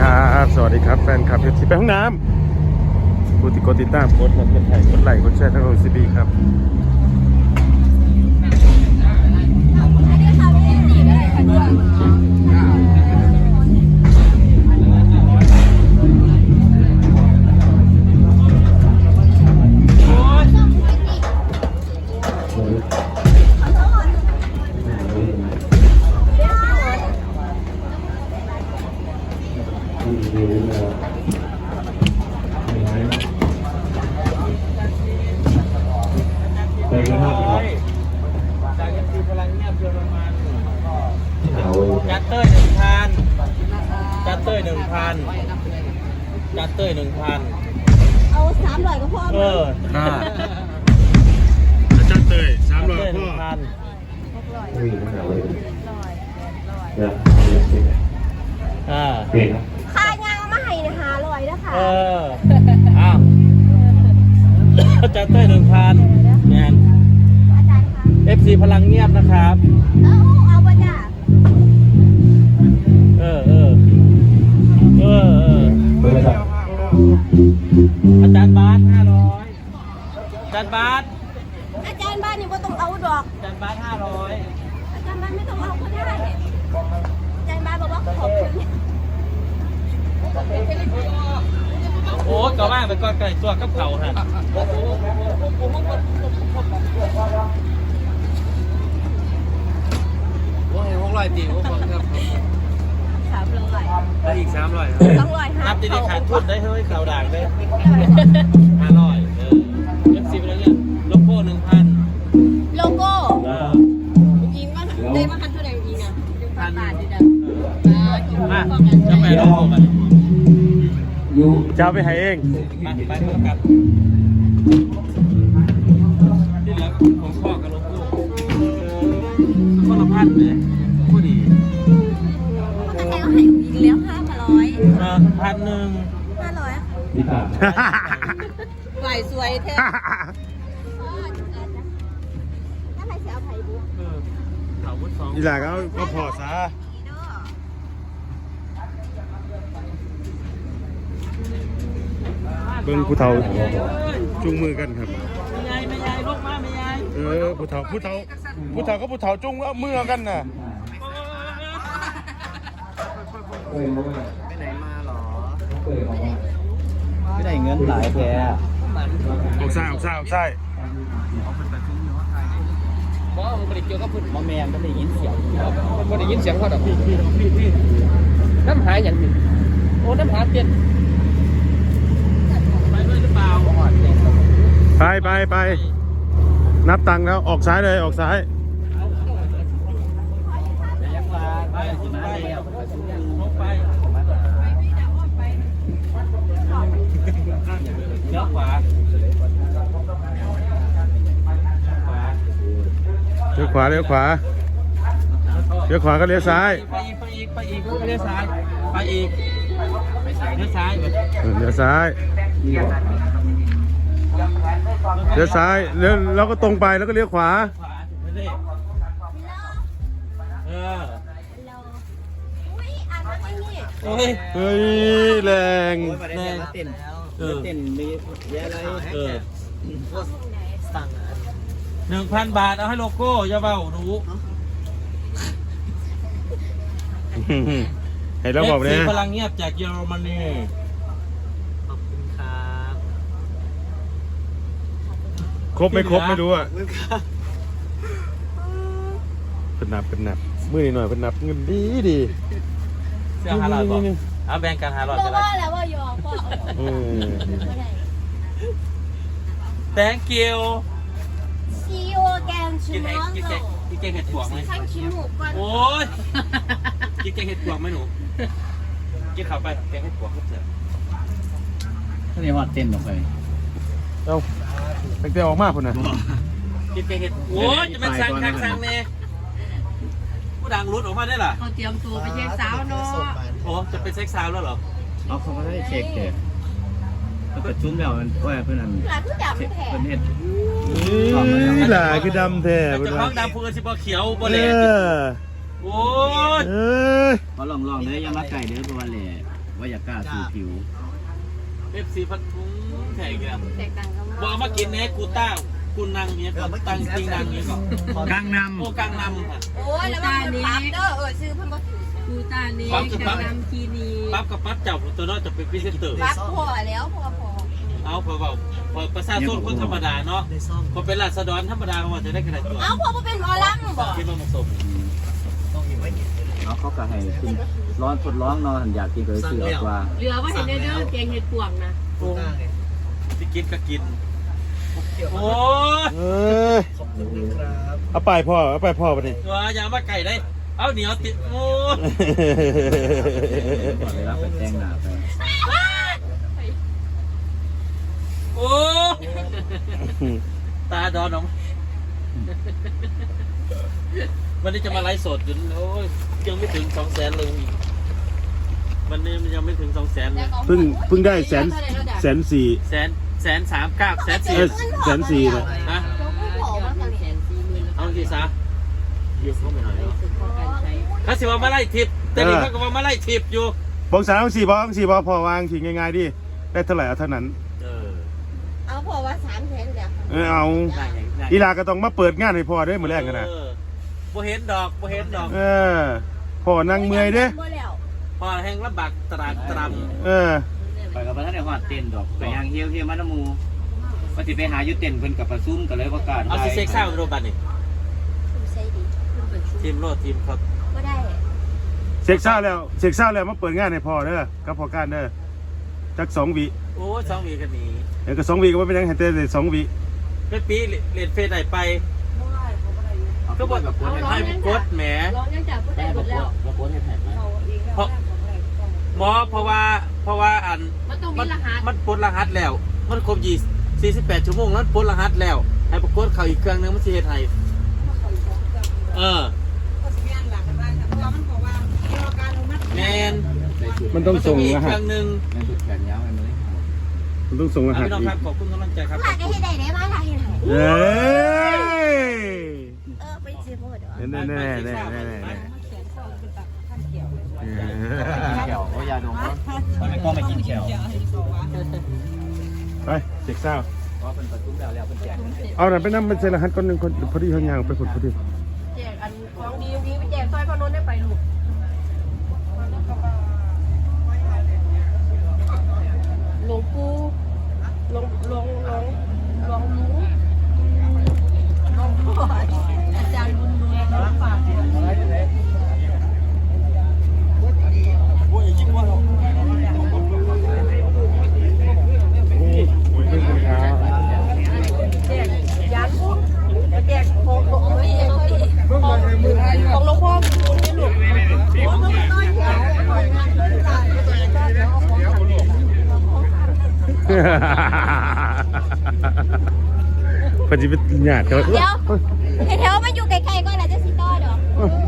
ครับสวัสดีครับแฟนคลับที่ไปห้องน้ำผู้ที่กดติดตามกดไลค์กดไลค์กดแชร์ทั้งโอซีบีครับไปกันครับจากยันตีพลังเงียบเยอรมันจัดเต้ย1,000จัดเต้ย1,000จัดเต้ย1,000 เอา300ก็พอจัดเตย300พ่อค่ายางมาให้นะ500นะคะอ้าวจัดเต้ย1,000งานอาจารย์คะ FC พลังเงียบนะครับเอาบ่จ้ะอาจารย์บาส500อาจารย์บาสอาจารย์บ้านนี่บ่ต้องเอาดอกอาจารย์บาส500 อาจารย์บ้านไม่ต้องเอาก็ได้อาจารย์บ้านบอกว่าขอบคุณโอ้ก็ว่างไปก่อนไก่ตัวกับเผาฮะว่าไง600ตีครับ 300 แล้วอีก300 200 นับดีๆขาดทุนได้เฮ้ยข่าวด่างได้500FC ไปแล้วเนี่ยโลโก้ 1,000 โลโก้ยิงว่าได้มาคันเท่าไหร่ยิงอ่ะ1,000 บาทดิจ้ะจะไปโลโก้กันจะเอาไปให้เองไปกันที่เหลือของพ่อกับโลโก้คนละพันเลยพูดดีให้เอาให้ยิงแล้ว500 1,000 500 พี่ตาไหวสวยแท้ถ้าใครจะเอาไผ่บุ๊กเขาวุ้น2 อีหล่าก็พอซะเบิ่งผู้เฒ่าจุงมือกันครับไม่ยายลูกมาไม่ยายผู้เฒ่าก็ผู้เฒ่าจุงมือกันน่ะไปไหนมาหรอไม่ได้เงินหลายแกออกซ้ายเพราะมันไม่ได้เกี่ยวกับพื้นมอแมนมันได้ยินเสียงมันได้ยินเสียงเขาแบบพี่น้ำหายอย่างนี้โอ้น้ำหาเปลี่ยนไปด้วยหรือเปล่าไปนับตังค์แล้วออกซ้ายเลยออกซ้ายเลี้ยวขวาเลี้ยวขวาก็เลี้ยวซ้ายไปอีกเลี้ยวซ้ายไปอีกเลี้ยวซ้ายแล้วก็ตรงไปแล้วก็เลี้ยวขวาเฮ้ยแรงเต้นมีเยอะอะไรสั่ง1,000 บาทเอาให้โลโก้อย่าเบาหนูให้เราบอกเลยพลังเงียบจากเยอรมนีขอบคุณครับครบไม่รู้อ่ะเป็นนับมือหน่อยเป็นนับเงินดีเสื้อ500บอกเอาแบ่งกัน500 ก็ได้แล้วว่ายอมก็ thank you see you again tomorrow กินแกงเห็ดปวกไหมโอ้ยกินแกงเห็ดปวกไหมหนูกินข้าวไปแกงเห็ดปวกก็เสร็จท่านนี้ว่าเต้นออกไปตั้งแต่ออกมาคนน่ะกินแกงเห็ดโอ้ยจะเป็นสั่งเนี่ยผู้ดังรุดออกมาได้หรอเขาเตรียมตัวไปเช็คสาวเนาะโอ้จะเป็นเช็คสาวแล้วเหรอเขาไม่ได้เช็คเด็กแล้วประชุมแล้วมันเพื่อนนั่นเพื่อนเห็ดนี่แหละคือดำแท้จะคล้องดำพูนสิบเขียวบอลเล่โอ้ยเขาลองเลยยังรักไก่เด้อประมาณเล่ว่าอยากกล้าสู่ผิว FC พัดทุ้งแข่งกันแตกต่างกันมากบอกมากินเนี้ยกูตั้งกูนั่งเนี้ยตั้งจริงนั่งเนี้ยก่อนกลางนโอ้กลางนำค่ะโอ้ยแล้วมันปั๊บเด้อซื้อเพิ่นบ่ถือกูตานี้กำลังคีนีปั๊บกับปั๊บจับตัวน้อยจะเป็นพิเศษเตอร์ปั๊บพอแล้วพอเอาพอประชาชนคนธรรมดาเนาะพอเป็นราษฎรธรรมดาเขาจะได้กระไรตัวเอาพอเป็นหมอลำบ่คิดว่าเหมาะสมำเขาก็ให้คุณร้อนทดลองนอนอยากกินก็เลยซื้อออกว่าเหลือว่าเห็นเด้อแกงเห็ดปวงนะที่กินก็กินโอ้เออเอาไปพ่อไปดิตัวอยามาไก่ได้เอาเหนียวติดโอ้เวลาไปแต่งหน้าไปโอ้ตาดอนน้องวันนี้จะมาไลฟ์สดจนโอ้ยยังไม่ถึง200,000เลยวันนี้มันยังไม่ถึง200,000เลยเพิ่งได้140,000 139,000 นะนะผู้ผอมากัน 140,000เอาทีซะยืมเข้าไปหน่อยเนาะสึกพอการใช้เขาสิว่ามาไล่ทิปแต่นี่เขาก็ว่ามาไล่ทิปอยู่บอก3 4บอกพอวางทิ้งง่ายๆดิได้เท่าไหร่เอาเท่านั้นเอาพอว่า300,000แล้วเอาได้ไงอีลาก็ต้องมาเปิดงานให้พ่อเด้อมื้อแรกกันนะบ่เห็นดอกบ่เห็นดอกพ่อนั่งเมื่อยเด้อบ่แล้วพอแห้งลำบากตรามไปกับพระท่านในหอดเต้นดอกไปยังเฮี้ยวมาน้ำมูว่าสิไปหายุเต้นเพิ่นกับประซุ่มกันเลยประกาศเอาสิเซ็กซ่าโรบันนี่คุณใส่ดีทีมโลดทีมครับบ่ได้เช็คเศร้าแล้วมาเปิดงานให้พ่อเด้อกับพ่อการเด้อจัก2 วิโอ้2 วีกันนี้เดี๋ยวก็2 วิก็บ่เป็นหยังให้แต่2 วิเป็นปีเรียนเฟซไหนไปก็บอกกับคนให้กดแหมร้องยังจากผู้ใดหมดแล้วเพราะว่าอันมันต้องมีรหัสมันปลดรหัสแล้วมันครบ48 ชั่วโมงแล้วปลดรหัสแล้วให้ปรากฏเขาอีกเครื่องนึงมันสิเฮ็ดให้แมนมันต้องส่งรหัเคสรื่องนึงนั่นคือแขนยาวอันนี้มันต้องส่งรหัสพี่น้องอีคกรับขอบคุณกำลังใจครับหลานก็เฮ็ดได้มาหลานเฮ็ดให้เอ้ยไปซื้อบ่ดอกแน่แขวก็ยาดมมันก็ไม่กินแขวไปเช็คเศร้าเพราะเป็นประซุ่มแล้วเป็นแจกเอาหน่อยไปนั่งเป็นเซรหัสคนหนึ่งคนพอดีเขายางไปคนพอดีแจกอันของดีไปแจกซอยพนนได้ไปลูกหลวงปู่หลวงรู้หลวงพ่ออาจารย์บุญรู้รับฝาก แจกยันแจกของหลวงพ่อของหลวงพ่อคุณนี่ลูกพอดีเป็นหยาดเขาเดี๋ยวแถวมันอยู่ไกลๆก็น่าจะสิต่อดอก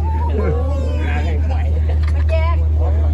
มาแจก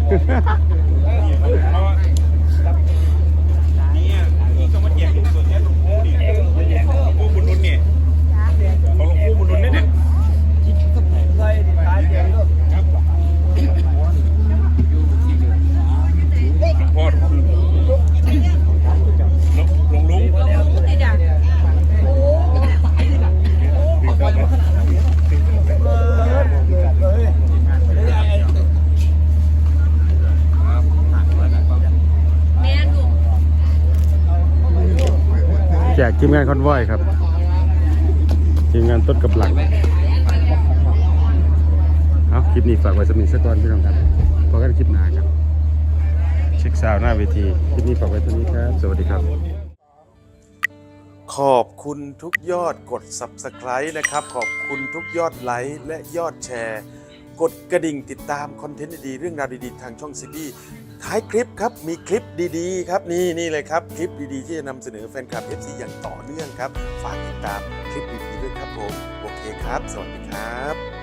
แจกทีมงานคอนวอยครับทีมงานต้นกับหลังเอาคลิปนี้ฝากไว้สำหรับสักตอนพี่น้องครับพอกันคลิปหน้าครับเช็คซาวหน้าเวทีคลิปนี้ฝากไว้เท่านี้ครับสวัสดีครับ ขอบคุณทุกยอดกด Subscribe นะครับขอบคุณทุกยอดไลค์และยอดแชร์กดกระดิ่งติดตามคอนเทนต์ดีๆเรื่องราวดีๆทางช่องซีบีท้ายคลิปครับมีคลิปดีๆครับนี่เลยครับคลิปดีๆที่จะนำเสนอแฟนคลับ FC อย่างต่อเนื่องครับฝากติดตามคลิปดีๆด้วยครับผมโอเคครับสวัสดีครับ